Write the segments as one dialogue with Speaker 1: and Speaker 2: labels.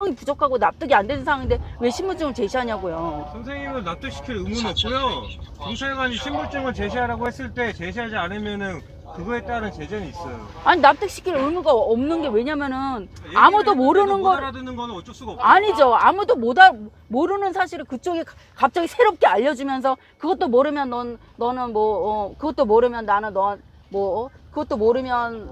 Speaker 1: 부족하고 납득이 안 되는 상황인데 왜 신분증을 제시하냐고요.
Speaker 2: 선생님을 납득시킬 의무는 없고요. 경찰관이 신분증을 제시하라고 했을 때 제시하지 않으면은 그거에 따른 제재는 있어요.
Speaker 1: 아니 납득시킬 의무가 없는 게 왜냐면은 아무도 모르는
Speaker 2: 못
Speaker 1: 걸
Speaker 2: 알아듣는 거는 어쩔 수가 없어요.
Speaker 1: 아니죠. 아무도 모르는 사실을 그쪽이 갑자기 새롭게 알려주면서 그것도 모르면 너는 뭐 그것도 모르면 나는 너 그것도 모르면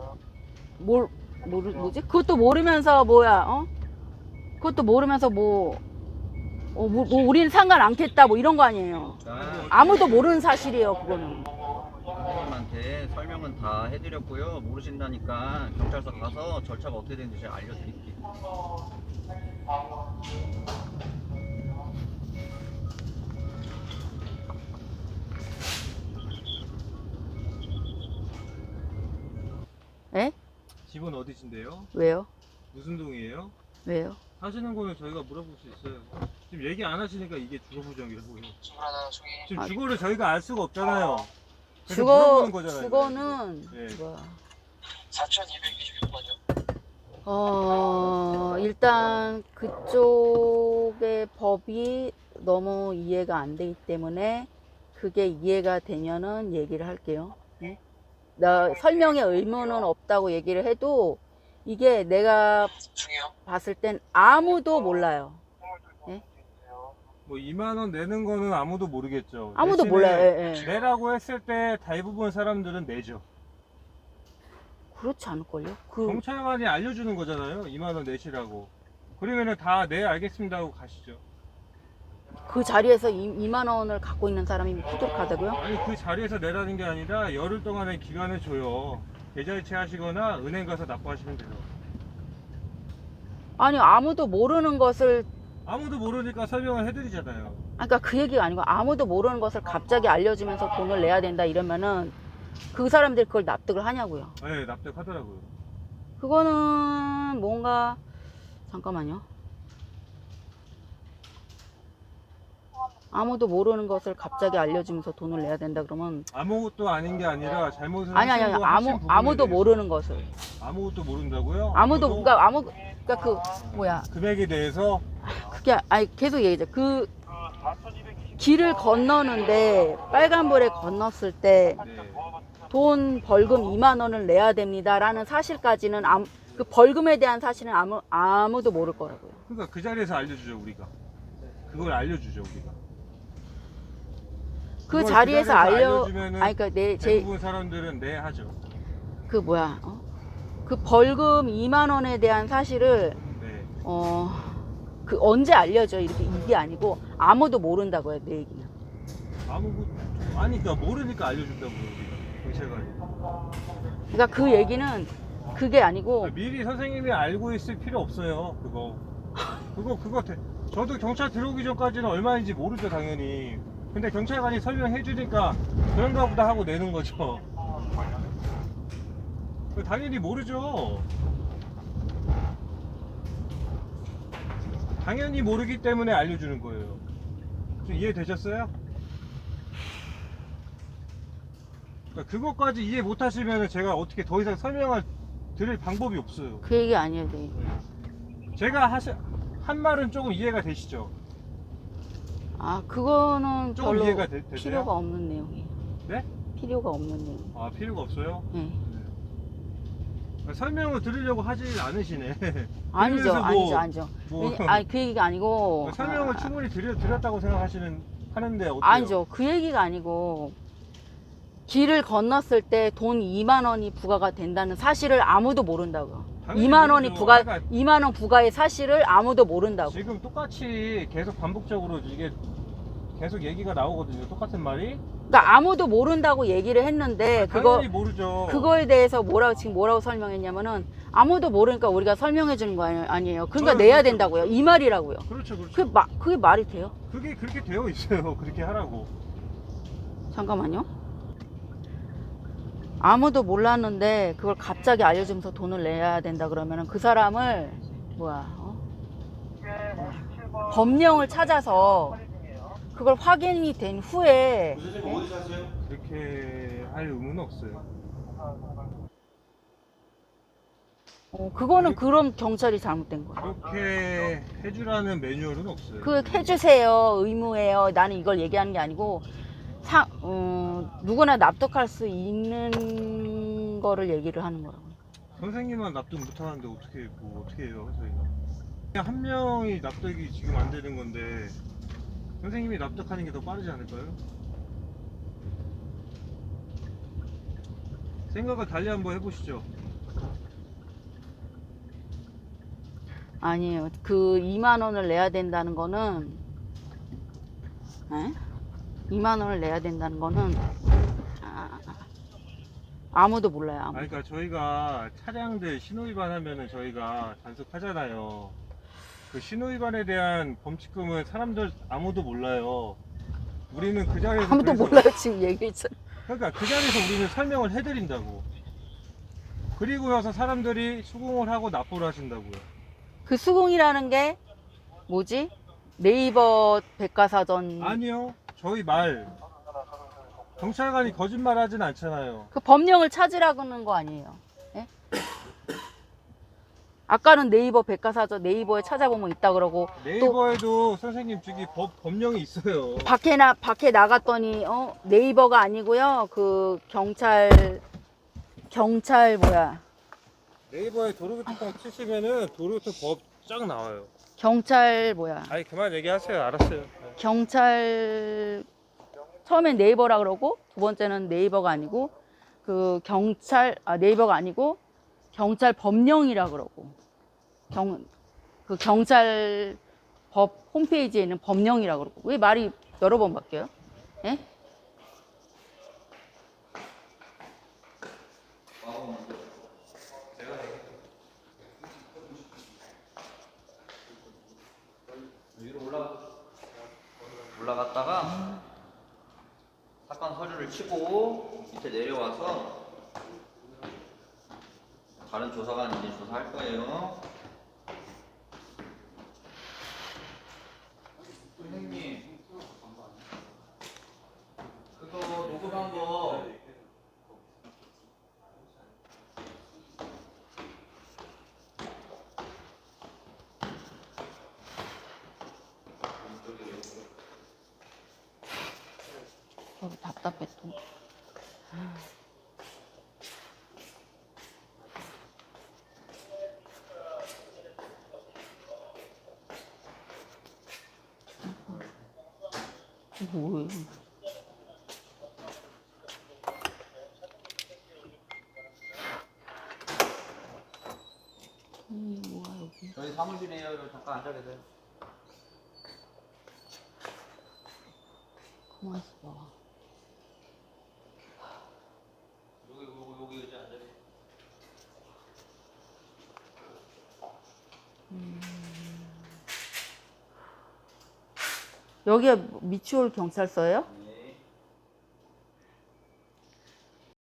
Speaker 1: 뭐지? 그것도 모르면서 뭐야? 그것도 모르면서 뭐 우리는 상관 않겠다 뭐 이런 거 아니에요. 아무도 모르는 사실이에요 그거는.
Speaker 3: 선생님한테 설명은 다 해드렸고요. 모르신다니까 경찰서 가서 절차가 어떻게 되는지 제가 알려드릴게요.
Speaker 1: 에?
Speaker 2: 집은 어디신데요?
Speaker 1: 왜요?
Speaker 2: 무슨 동이에요?
Speaker 1: 왜요?
Speaker 2: 하시는 거는 저희가 물어볼 수 있어요. 지금 얘기 안 하시니까 이게 주거부정이라고요. 지금 주거를 저희가 알 수가 없잖아요. 그래서 물어보는 거잖아요.
Speaker 1: 주거는
Speaker 2: 네.
Speaker 1: 뭐야?
Speaker 4: 4226번이요.
Speaker 1: 일단 그쪽의 법이 너무 이해가 안 되기 때문에 그게 이해가 되면은 얘기를 할게요. 네? 나 설명의 의무는 없다고 얘기를 해도 이게 내가
Speaker 4: 중요.
Speaker 1: 봤을 땐 아무도 몰라요.
Speaker 2: 뭐 2만 원 내는 거는 아무도 모르겠죠.
Speaker 1: 아무도
Speaker 2: 대신에
Speaker 1: 몰라요. 예, 예.
Speaker 2: 내라고 했을 때 대부분 사람들은 내죠.
Speaker 1: 그렇지 않을걸요?
Speaker 2: 경찰관이 알려주는 거잖아요. 2만 원 내시라고. 그러면은 다 네 알겠습니다 하고 가시죠.
Speaker 1: 그 자리에서 2만 원을 갖고 있는 사람이 부족하다고요?
Speaker 2: 아니 그 자리에서 내라는 게 아니라 열흘 동안의 기간을 줘요. 계좌이체 하시거나 은행 가서 납부하시면 돼요.
Speaker 1: 아니 아무도 모르는 것을
Speaker 2: 아무도 모르니까 설명을 해드리잖아요.
Speaker 1: 그러니까 그 얘기가 아니고 아무도 모르는 것을 갑자기 알려주면서 돈을 내야 된다 이러면은 그 사람들이 그걸 납득을 하냐고요.
Speaker 2: 네, 납득하더라고요.
Speaker 1: 그거는 뭔가 잠깐만요. 아무도 모르는 것을 갑자기 알려주면서 돈을 내야 된다 그러면
Speaker 2: 아무것도 아닌 게 아니라 잘못을
Speaker 1: 아니
Speaker 2: 하신 거 하신 부분에
Speaker 1: 아무도
Speaker 2: 대해서.
Speaker 1: 모르는 것을
Speaker 2: 아무것도 모른다고요?
Speaker 1: 그러니까 그 뭐야
Speaker 2: 금액에 대해서
Speaker 1: 그게 아니 계속 얘기죠. 그 길을 건너는데 빨간불에 건넜을 때
Speaker 2: 네.
Speaker 1: 돈 벌금 2만 원을 내야 됩니다라는 사실까지는 그 벌금에 대한 사실은 아무도 모를 거라고요.
Speaker 2: 그러니까 그 자리에서 알려주죠 우리가. 그걸 알려주죠 우리가.
Speaker 1: 그
Speaker 2: 그걸
Speaker 1: 자리에서
Speaker 2: 알려주면은
Speaker 1: 아니 그러니까
Speaker 2: 대부분 사람들은 네 하죠.
Speaker 1: 그 뭐야 그 벌금 2만 원에 대한 사실을
Speaker 2: 네.
Speaker 1: 그 언제 알려줘 이게 아니고 아무도 모른다고요 내 얘기는.
Speaker 2: 아니 그러니까 모르니까 알려준다고요 우리가 경찰관이.
Speaker 1: 그러니까 그 얘기는 그게 아니고
Speaker 2: 미리 선생님이 알고 있을 필요 없어요 그거. 저도 경찰 들어오기 전까지는 얼마인지 모르죠 당연히. 근데 경찰관이 설명해 주니까 그런가 보다 하고 내는 거죠. 당연히 모르죠. 당연히 모르기 때문에 알려주는 거예요. 좀 이해되셨어요? 그러니까 그것까지 이해 못 하시면 제가 어떻게 더 이상 설명을 드릴 방법이 없어요.
Speaker 1: 그 얘기 아니에요 내 얘기.
Speaker 2: 제가 한 말은 조금 이해가 되시죠?
Speaker 1: 그거는
Speaker 2: 조금
Speaker 1: 별로
Speaker 2: 이해가 되세요?
Speaker 1: 필요가 없는 내용이에요.
Speaker 2: 네?
Speaker 1: 필요가 없는 내용.
Speaker 2: 아 필요가 없어요?
Speaker 1: 네.
Speaker 2: 설명을 드리려고 하지 않으시네.
Speaker 1: 아니죠,
Speaker 2: 그래서 뭐-
Speaker 1: 아니죠.
Speaker 2: 뭐-
Speaker 1: 아니 그 얘기가 아니고.
Speaker 2: 설명을 충분히 드렸다고 하는데 어때요?
Speaker 1: 아니죠. 그 얘기가 아니고 길을 건넜을 때 돈 2만 원이 부과가 된다는 사실을 아무도 모른다고요.
Speaker 2: 당연히
Speaker 1: 2만 원이
Speaker 2: 모르죠.
Speaker 1: 부과,
Speaker 2: 그러니까
Speaker 1: 2만 원 부과의 사실을 아무도 모른다고.
Speaker 2: 지금 똑같이 계속 반복적으로 이게 계속 얘기가 나오거든요. 똑같은 말이.
Speaker 1: 그러니까 아무도 모른다고 얘기를 했는데
Speaker 2: 당연히 모르죠.
Speaker 1: 그거에 대해서 뭐라고 설명했냐면은 아무도 모르니까 우리가 설명해 주는 거 아니에요. 그러니까
Speaker 2: 아,
Speaker 1: 내야
Speaker 2: 그렇죠,
Speaker 1: 된다고요. 이 말이라고요.
Speaker 2: 그렇죠, 그렇죠.
Speaker 1: 그게 말이 돼요?
Speaker 2: 그게 그렇게 되어 있어요. 그렇게 하라고.
Speaker 1: 잠깐만요. 아무도 몰랐는데 그걸 갑자기 알려주면서 돈을 내야 된다 그러면은 그 사람을 법령을 찾아서 그걸 확인이 된 후에
Speaker 2: 그렇게 할 의무는 없어요.
Speaker 1: 그거는 그럼 경찰이 잘못된 거야.
Speaker 2: 그렇게 해주라는 매뉴얼은 없어요.
Speaker 1: 그 해주세요, 의무예요. 나는 이걸 얘기하는 게 아니고 누구나 납득할 수 있는 거를 얘기를 하는 거라고.
Speaker 2: 선생님만 납득 못하는데 어떻게 해요 저희가? 그냥 한 명이 납득이 지금 안 되는 건데 선생님이 납득하는 게 더 빠르지 않을까요? 생각을 달리 한번 해보시죠.
Speaker 1: 아니에요. 그 2만 원을 내야 된다는 거는, 에? 2만 원을 내야 된다는 거는 아무도 몰라요. 아무도.
Speaker 2: 아니, 그러니까 저희가 차량들 신호위반 하면은 저희가 단속하잖아요. 그 신호위반에 대한 범칙금은 사람들 아무도 몰라요. 우리는 그 자리에서
Speaker 1: 아무도
Speaker 2: 그래서-
Speaker 1: 몰라요. 지금 얘기했잖아.
Speaker 2: 그러니까 그 자리에서 우리는 설명을 해드린다고. 그리고 나서 사람들이 수긍을 하고 납부를 하신다고요.
Speaker 1: 그 수긍이라는 게 뭐지? 네이버 백과사전.
Speaker 2: 아니요, 저희 말 경찰관이 거짓말 하진 않잖아요.
Speaker 1: 그 법령을 찾으라는 거 아니에요. 예? 아까는 네이버 백과사전 네이버에 찾아보면 있다 그러고
Speaker 2: 네이버에도 선생님 저기 법령이 있어요.
Speaker 1: 밖에 나갔더니 네이버가 아니고요. 그 경찰 뭐야?
Speaker 2: 네이버에 도로교통법 치시면은 도로교통 법 쫙 나와요.
Speaker 1: 경찰 뭐야?
Speaker 2: 아니 그만 얘기하세요. 알았어요.
Speaker 1: 경찰 처음엔 네이버라 그러고 두 번째는 네이버가 아니고 그 네이버가 아니고 경찰 법령이라 그러고 그 경찰 법 홈페이지에 있는 법령이라 그러고 왜 말이 여러 번 바뀌어요? 예?
Speaker 3: 위로 올라갔다가 사건 서류를 치고 밑에 내려와서 다른 조사관 이제 조사할 거예요. 선생님, 그거 녹음한 거
Speaker 1: 답답해 또. 뭐예요? 뭐야 여기?
Speaker 3: 저희 사무실이에요. 잠깐 앉아 계세요.
Speaker 1: 가만 있어봐.
Speaker 3: 여기 의자 앉아 계세요.
Speaker 1: 여기가 미추홀 경찰서예요?